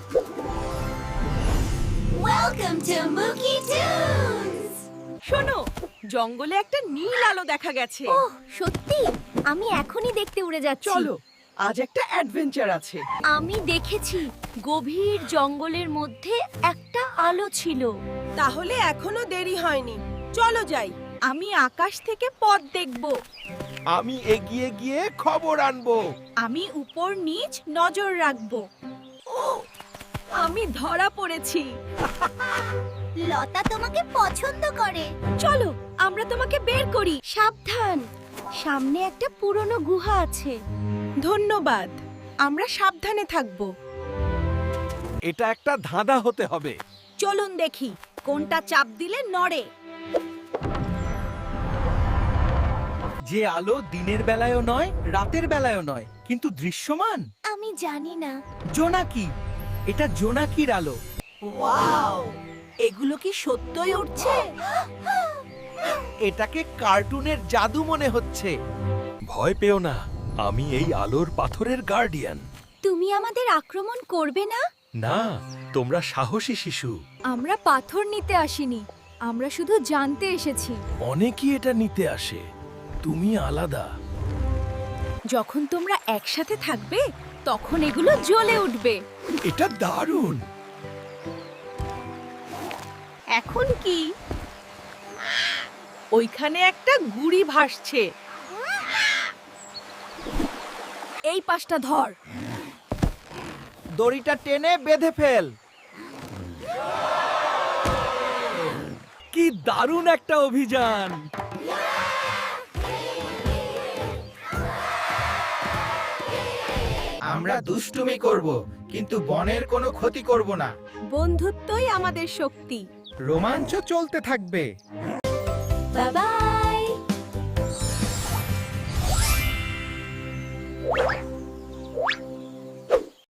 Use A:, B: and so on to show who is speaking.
A: Welcome to Mookie Tunes!
B: শোনো, জঙ্গলে একটা নীল আলো দেখা গেছে।
A: ওহ, সত্যি? আমি এখনই দেখতে উড়ে যাচ্ছি।
B: চলো, আজ একটা অ্যাডভেঞ্চার আছে।
A: আমি দেখেছি গভীর জঙ্গলের মধ্যে একটা আলো ছিল।
B: তাহলে এখনো দেরি হয়নি, চলো যাই। আমি আকাশ থেকে পথ দেখব।
C: আমি এগিয়ে গিয়ে খবর আনবো।
B: আমি উপর নিচ নজর রাখব। আমি ধরা পড়েছি।
A: লতা তোমাকে পছন্দ করে।
B: চলো, আমরা তোমাকে বের করি।
A: সাবধান, সামনে একটা পুরনো গুহা আছে।
B: ধন্যবাদ, আমরা সাবধানে থাকব।
C: এটা একটা ধাঁধা হতে হবে।
B: চলুন দেখি কোনটা চাপ দিলে নড়ে।
C: যে আলো দিনের বেলায়ও নয়, রাতের বেলায়ও নয়, কিন্তু দৃশ্যমান।
A: আমি জানি না।
C: জোনাকি, এটা জোনাকির আলো।
B: ওয়াও, এগুলো কি সত্যই উঠছে?
C: এটাকে কার্টুনের জাদু মনে হচ্ছে। ভয় পেও না, আমি এই আলোর পাথরের গার্ডিয়ান।
A: তুমি আমাদের আক্রমণ করবে না?
C: না, তোমরা সাহসী শিশু।
A: আমরা পাথর নিতে আসিনি, আমরা শুধু জানতে এসেছি।
C: অনেকেই এটা নিতে আসে। তুমি আলাদা।
B: যখন তোমরা একসাথে থাকবে তখন এগুলো জ্বলে উঠবে।
C: এটা দারুণ।
B: এখন কি? ওইখানে একটা গুড়ি ভাসছে। এই পাশটা ধর।
C: দড়িটা টেনে বেঁধে ফেল। কি দারুণ একটা অভিযান!
D: আমরা দুষ্টুমি করব, কিন্তু বনের কোনো ক্ষতি করব না।
B: বন্ধুত্বই আমাদের শক্তি।
D: রোমাঞ্চ চলতে থাকবে।
A: Bye by.